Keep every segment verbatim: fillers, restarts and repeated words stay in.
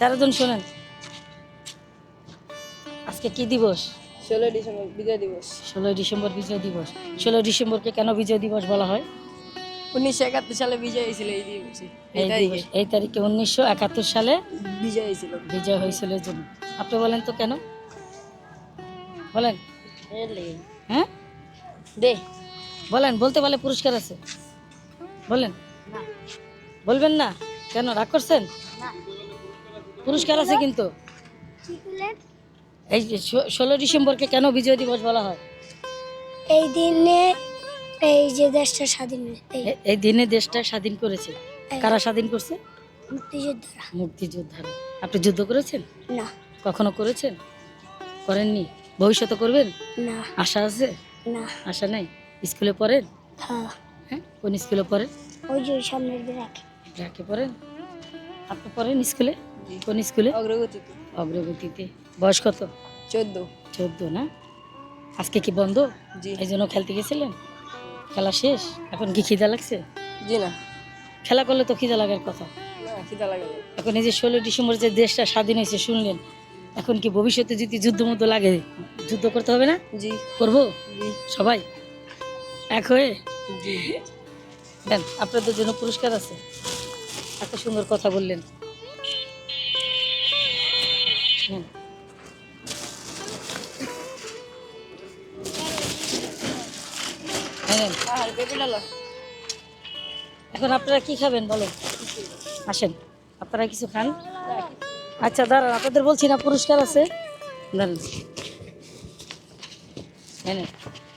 চারজন শোনেন, আজকে কি দিবস? ষোলোই ডিসেম্বর বিজয় দিবস। ষোলোই ডিসেম্বর বিজয় দিবস। ষোলোই ডিসেম্বরকে কেন বিজয় দিবস বলা হয়? উনিশশো একাত্তর সালে বিজয় হয়েছিল এই দিবসে, এই এই তারিখে দিবস এই তারিখে উনিশশো একাত্তর সালে বিজয় হয়েছিল। বিজয় হয়েছিল এর জন্য। আপনি বলেন তো কেন বলেন? হ্যাঁ দে বলেন, বলতে পারলে পুরস্কার আছে, বলেন। বলবেন না কেন, রাগ করছেন? পুরস্কার আছে কিন্তু। এই যে ষোলো ডিসেম্বরকে কেন বিজয় দিবস বলা হয়? এই দিনে এই যে দেশটা স্বাধীন হয়েছে, এই এ- এই দিনে দেশটা স্বাধীন করেছে। কারা স্বাধীন করছে? মুক্তিযোদ্ধারা। মুক্তিযোদ্ধারা। আপনি যুদ্ধ করেছেন? না কখনো করেছেন? করেননি? ভবিষ্যতে করবেন? না আশা আছে? না আশা নাই? স্কুলে পড়েন? হ্যাঁ, হ্যাঁ, কোন স্কুলে পড়েন? ওই যে ওই সামনের ব্র্যাক। ব্র্যাকে পড়েন? আপনি পড়েন স্কুলে? কোন স্কুলে? অগ্রগতিতে। অগ্রগতিতে। বয়স কত? চোদ্দ। চোদ্দ না? আজকে কি বন্ধ? জি এই জন্য খেলতে গেছিলেন? খেলা শেষ, এখন কি খিদা লাগছে? জি না, খেলা করলে তো খিদা লাগার কথা। না খিদা লাগে না। এখন এই যে ষোলো ডিসেম্বর যে দেশটা স্বাধীন হয়েছে শুনলেন, এখন কি ভবিষ্যতে যদি যুদ্ধ মধ্যে লাগে, যুদ্ধ করতে হবে না? জি করবো জি সবাই এক হয়ে? জি। দেন, আপনাদের জন্য পুরস্কার আছে। এত সুন্দর কথা বললেন। নেন। হ্যাঁ, নেন। আর পেঁপে ডালা। এখন আপনারা কি খাবেন বলেন? আসেন, আপনারা কিছু খান। আচ্ছা দাঁড়ান, আপনাদের বলছি না পুরস্কার আছে, দাঁড়ান। হ্যাঁ, নেন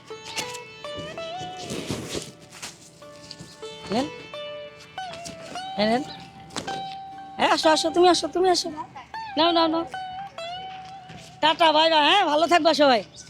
নেন। হ্যাঁ, নেন। হ্যাঁ, আসো আসো, তুমি আসো, তুমি আসো। নাও নাও নাও। Tata, bye bye. হ্যাঁ, ভালো থাকবা সবাই।